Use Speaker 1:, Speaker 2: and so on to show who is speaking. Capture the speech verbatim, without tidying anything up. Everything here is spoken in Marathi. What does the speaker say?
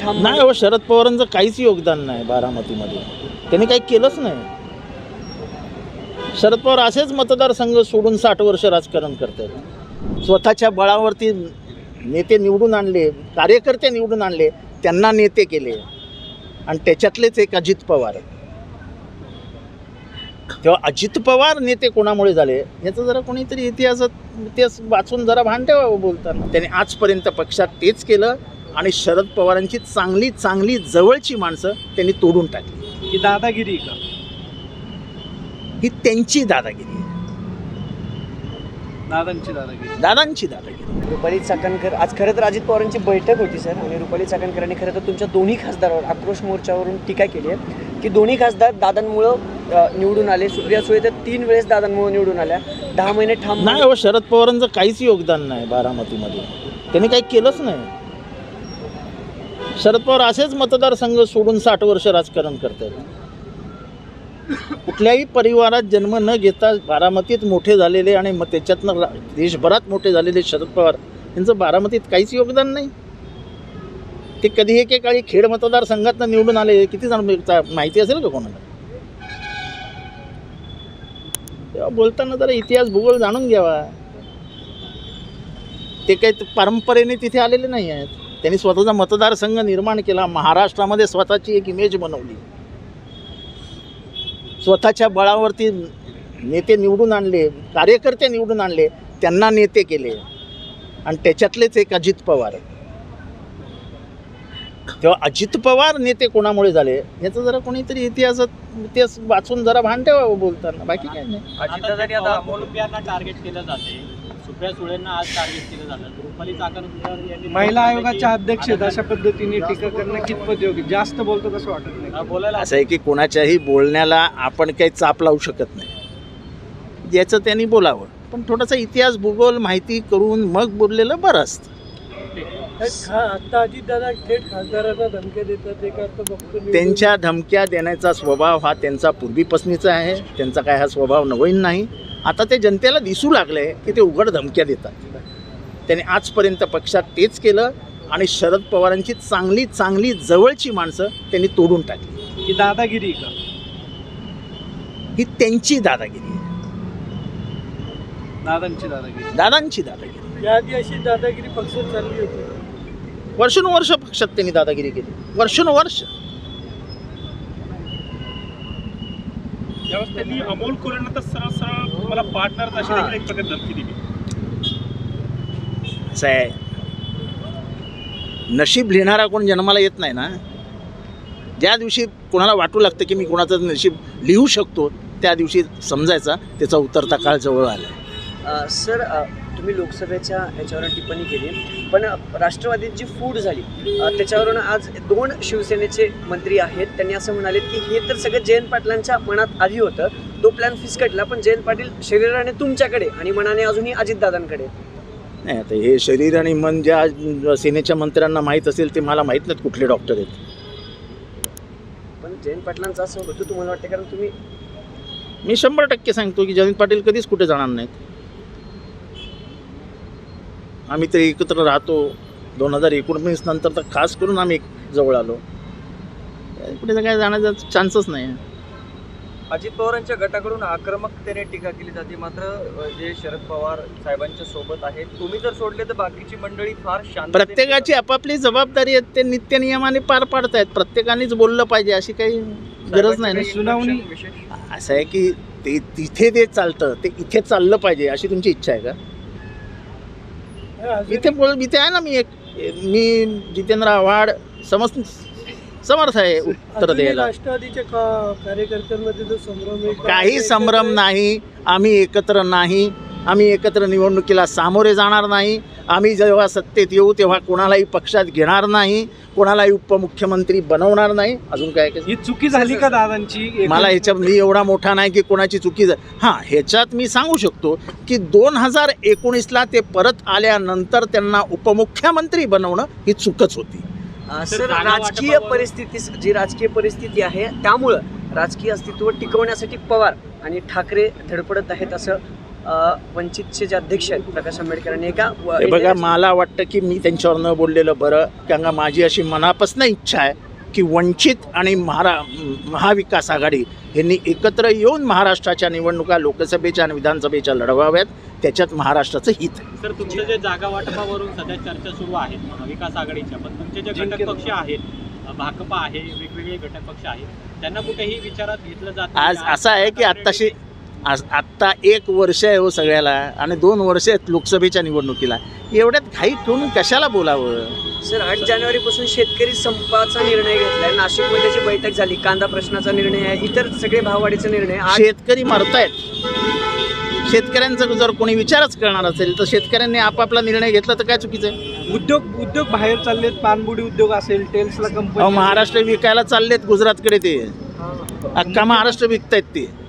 Speaker 1: ठाम
Speaker 2: नाही हो, शरद पवारांचं काहीच योगदान नाही बारामतीमध्ये. त्यांनी काही केलंच नाही. शरद पवार असेच मतदारसंघ सोडून साठ वर्ष राजकारण करतात. स्वतःच्या बळावरती नेते निवडून आणले, कार्यकर्ते निवडून आणले, त्यांना नेते केले. आणि त्याच्यातलेच एक अजित पवार. तेव्हा अजित पवार नेते कोणामुळे झाले याचं जरा कोणीतरी इतिहासात इतिहास वाचून जरा भान ठेवावं बोलताना. त्याने आजपर्यंत पक्षात तेच केलं आणि शरद पवारांची चांगली चांगली जवळची माणसं त्यांनी तोडून टाकली.
Speaker 1: ही दादागिरी का?
Speaker 2: ही त्यांची दादागिरी आहे.
Speaker 1: दादांची दादागिरी
Speaker 2: दादांची दादागिरी.
Speaker 3: रुपाली चाकणकर आज खरं तर अजित पवारांची बैठक होती सर, आणि रुपाली चाकणकरांनी खरं तर तुमच्या दोन्ही खासदारावर आक्रोश मोर्चावरून टीका केली आहे की दोन्ही खासदार दादांमुळं निवडून आले. सुप्रिया सुळे तर तीन वेळेस दादांमुळे निवडून आल्या. दहा महिने ठाम
Speaker 2: नाही हो, शरद पवारांचं काहीच योगदान नाही बारामतीमध्ये. त्यांनी काही केलंच नाही. शरद पवार असेच मतदारसंघ सोडून साठ वर्ष राजकारण करतात. कुठल्याही परिवारात जन्म न घेता बारामतीत मोठे झालेले आणि मग त्याच्यातनं देशभरात मोठे झालेले शरद पवार यांचं बारामतीत काहीच योगदान नाही. ते कधी एकेकाळी खेड मतदारसंघातनं निवडून आले, किती जण माहिती असेल का कोणाला? तेव्हा बोलताना जरा इतिहास भूगोल जाणून घ्यावा. ते काही परंपरेने तिथे आलेले नाही आहेत. त्यांनी स्वतःचा मतदारसंघ निर्माण केला, महाराष्ट्रामध्ये स्वतःची एक इमेज बनवली, स्वतःच्या बळावरती नेते निवडून आणले, कार्यकर्ते निवडून आणले, त्यांना नेते केले. आणि त्याच्यातलेच एक अजित पवार. तेव्हा अजित पवार नेते कोणामुळे झाले याचं जरा कोणीतरी इतिहासात इतिहास वाचून जरा भान ठेवावं बोलताना. बाकी काही नाही.
Speaker 4: अजितदादांनी आता अमोल रुपयांना टार्गेट केलं जाते, सुप्रिया सुळेंना आज टार्गेट केलं जातं. रुपाली चाकणकर यांनी
Speaker 1: महिला आयोगाच्या अध्यक्ष आहेत, अशा पद्धतीने टीका करणं कितपत योग्य? जास्त बोलतो कसं वाटत नाही?
Speaker 4: बोलायला
Speaker 2: असं आहे की कोणाच्याही बोलण्याला आपण काही चाप लावू शकत नाही. ज्याचं त्यांनी बोलावं, पण थोडासा इतिहास भूगोल माहिती करून मग बोललेलं बरं असतं.
Speaker 1: आता अजितदादा थेट खासदारांना धमक्या देतात, ते बघतो.
Speaker 2: त्यांच्या धमक्या देण्याचा स्वभाव हा त्यांचा पूर्वीपासूनचा आहे. त्यांचा काय हा स्वभाव नवीन नाही. आता ते जनतेला दिसू लागले की ते उघड धमक्या देतात. त्याने आजपर्यंत पक्षात तेच केलं आणि शरद पवारांची चांगली चांगली जवळची माणसं त्यांनी तोडून टाकली.
Speaker 1: ही दादागिरी का?
Speaker 2: ही त्यांची दादागिरी आहे.
Speaker 1: दादांची दादागिरी.
Speaker 2: दादांची दादागिरी.
Speaker 1: याआधी अशी दादागिरी पक्षात चालली होती.
Speaker 2: वर्षानुवर्ष पक्षात त्यांनी दादागिरी केली, वर्षानुवर्ष.
Speaker 5: त्यावेळेस त्यांनी अमोल कोल्हेंना तर सरळ सरळ मला पार्टनर अशी देखील एक प्रकारे धमकी दिली.
Speaker 2: असं आहे, नशीब लिहिणारा कोण जन्माला येत नाही ना. ज्या दिवशी कोणाला वाटू लागतं की मी कोणाचं नशीब लिहू शकतो, त्या दिवशी समजायचा त्याचा उतरता काळ जवळ आला आहे.
Speaker 3: सर, तुम्ही लोकसभेच्या याच्यावर टिप्पणी केली, पण राष्ट्रवादीची फूट झाली त्याच्यावरून आज दोन शिवसेनेचे मंत्री आहेत, त्यांनी असं म्हणाले की हे तर सगळं जयंत पाटलांच्या मनात आधी होतं, तो प्लॅन फिसकटला, पण जयंत पाटील शरीराने तुमच्याकडे आणि मनाने अजूनही अजितदादांकडे.
Speaker 2: नाही, आता हे शरीर आणि मन ज्या सेनेच्या मंत्र्यांना माहीत असेल ते मला माहीत नाहीत कुठले डॉक्टर आहेत.
Speaker 3: पण जयंत पाटलांचं असं होतं तुम्हाला वाटतं? कारण तुम्ही
Speaker 2: मी शंभर टक्के सांगतो की जयंत पाटील कधीच कुठे जाणार नाहीत. आम्ही तर एकत्र राहतो. दोन हजार एकोणवीस नंतर तर खास करून आम्ही जवळ आलो. कुठे काय जाण्याचा चान्सच नाही.
Speaker 4: अजित पवारांच्या गटाकडून आक्रमकतेने टीका केली जाते, मात्र जे शरद पवार साहेबांच्या सोबत आहेत, तुम्ही जर सोडले तर बाकीची मंडळी फार शांत.
Speaker 2: प्रत्येकाची आपापली जबाबदारी आहे, ते नित्य नियमाने पार पाडतायत. प्रत्येकानेच बोललं पाहिजे अशी काही गरज नाही ना.
Speaker 1: सुनावणी
Speaker 2: असं आहे की ते तिथे ते चालतं, ते इथे चाललं पाहिजे अशी तुमची इच्छा आहे का? इथे बोल इथे आहे ना. मी एक मी जितेंद्र आव्हाड समज समर्थ आहे उत्तर द्यायला.
Speaker 1: राष्ट्रवादीच्या कार्यकर्त्यांमध्ये जो संभ्रम आहे,
Speaker 2: काही संभ्रम नाही. आम्ही एकत्र नाही. आम्ही एकत्र निवडणुकीला सामोरे जाणार नाही. आम्ही जेव्हा सत्तेत येऊ तेव्हा कोणालाही पक्षात घेणार नाही, कोणालाही उपमुख्यमंत्री बनवणार नाही. अजून काय
Speaker 1: ही चुकी झाली का दादांची?
Speaker 2: मला ह्याच्यात मी एवढा मोठा नाही की कोणाची चुकी झाली. हां, ह्याच्यात मी सांगू शकतो की दोन हजार एकोणीसला ते परत आल्यानंतर त्यांना उपमुख्यमंत्री बनवणं ही चूकच होती.
Speaker 3: सर, राजकीय परिस्थिती जी राजकीय परिस्थिती आहे त्यामुळं राजकीय अस्तित्व टिकवण्यासाठी पवार आणि ठाकरे धडपडत आहेत असं अ, वंचितचे जे अध्यक्ष आहेत प्रकाश आंबेडकरांनी एका व-
Speaker 2: हे बघा, मला वाटतं की मी त्यांच्यावर न बोललेलं बरं, कारण का माझी अशी मनापासून इच्छा आहे की वंचित आणि महारा महाविकास आघाडी यांनी एकत्र येऊन महाराष्ट्राच्या निवडणुका लोकसभेच्या आणि विधानसभेच्या लढवाव्यात. त्याच्यात महाराष्ट्राचं हित आहे.
Speaker 6: सर, तुमचे जे जागा वाटपावरून सध्या चर्चा सुरू आहेत महाविकास आघाडीच्या, पण तुमचे जे घटक पक्ष आहेत, भाकपा आहे, वेगवेगळे घटक पक्ष आहेत, त्यांना कुठेही विचारात घेतलं जात नाही.
Speaker 2: आज असं आहे की आत्ताशी आज आत्ता एक वर्ष आहे हो सगळ्याला, आणि दोन वर्ष आहेत लोकसभेच्या निवडणुकीला. एवढ्यात घाई ठेवून कशाला बोलावं?
Speaker 3: सर, आठ जानेवारीपासून शेतकरी संपाचा निर्णय घेतलाय. नाशिकमध्ये जी बैठक झाली, कांदा प्रश्नाचा निर्णय आहे, इतर सगळे भाववाढीचा निर्णय आहे.
Speaker 2: शेतकरी मरतायत. शेतकऱ्यांचा जर कोणी विचारच करणार असेल तर शेतकऱ्यांनी आपापला निर्णय घेतला तर काय चुकीचं आहे?
Speaker 1: उद्योग उद्योग बाहेर चाललेत, पानबुडी उद्योग असेल, टेल्सला
Speaker 2: अहो,
Speaker 1: कंपनी,
Speaker 2: महाराष्ट्र विकायला चाललेत गुजरातकडे, ते अख्खा महाराष्ट्र विकतायत ते.